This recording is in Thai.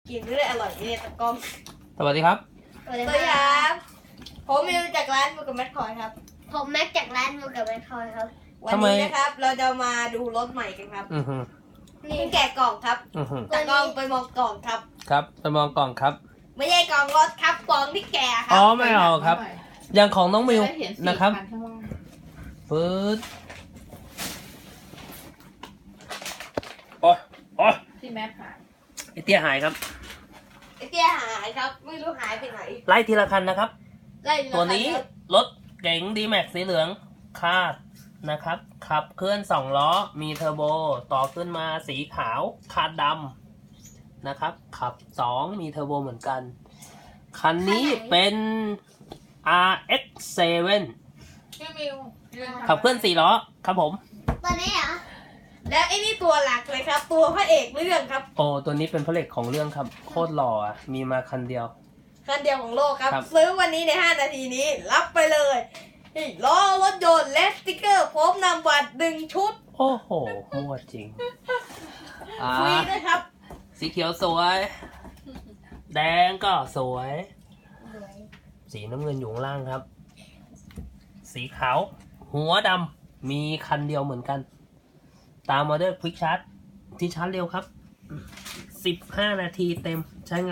กินด้วยอร่อยเนี่ยตะกล้องสวัสดีครับสวัสดีครับผมมิวจากร้านมิวกับแมทคอยครับผมแม็กจากร้านมูกับแมคคอยครับวันนี้นะครับเราจะมาดูรถใหม่กันครับอือฮึเพิ่งแกะกล่องครับอือฮึตะกล้องไปมองกล่องครับครับไปมองกล่องครับไม่ใช่กล่องรถครับกล่องที่แกะครัอ๋อไม่เอาครับ อย่างของน้องมิวนะครับฟืดโอ้ยโอ้ยที่แม่ผ่านไอเตี้ยหายครับไอ้เตี้ยหายครับไม่รู้หายไปไหนไล่ทีละคันนะครับได้ตัวนี้รถเก๋งดีแม็กสีเหลืองคาดนะครับ ขับเคลื่อน2ล้อ มีเทอร์โบ ต่อขึ้นมาสีขาวคาดดำนะครับ ขับ 2 มีเทอร์โบเหมือนกัน คันนี้เป็น RX7 พี่มิวขับเคลื่อน4ล้อครับผมตัวนี้เหรอและไอ้นี่ตัวหลักเลยครับ ตัวพระเอกเรื่องครับโอ้ตัวนี้เป็นพระเอกของเรื่องครับ โคตรหล่ออะมีมาคันเดียวคันเดียวของโลกครับครับซื้อวันนี้ใน5 นาทีนี้รับไปเลยล้อรถยนต์และสติ๊กเกอร์พร้อมนำบัตร1 ชุดโอ้โหมั่วจริงฟรีด้วยครับสีเขียวสวย แดงก็สวย สีน้ำเงินอยู่ข้างล่างครับ สีขาว หัวดำมีคันเดียวเหมือนกัน ตามมาด้วยควิกชาร์จที่ชาร์จเร็วครับ 15 นาทีเต็มใช้งาน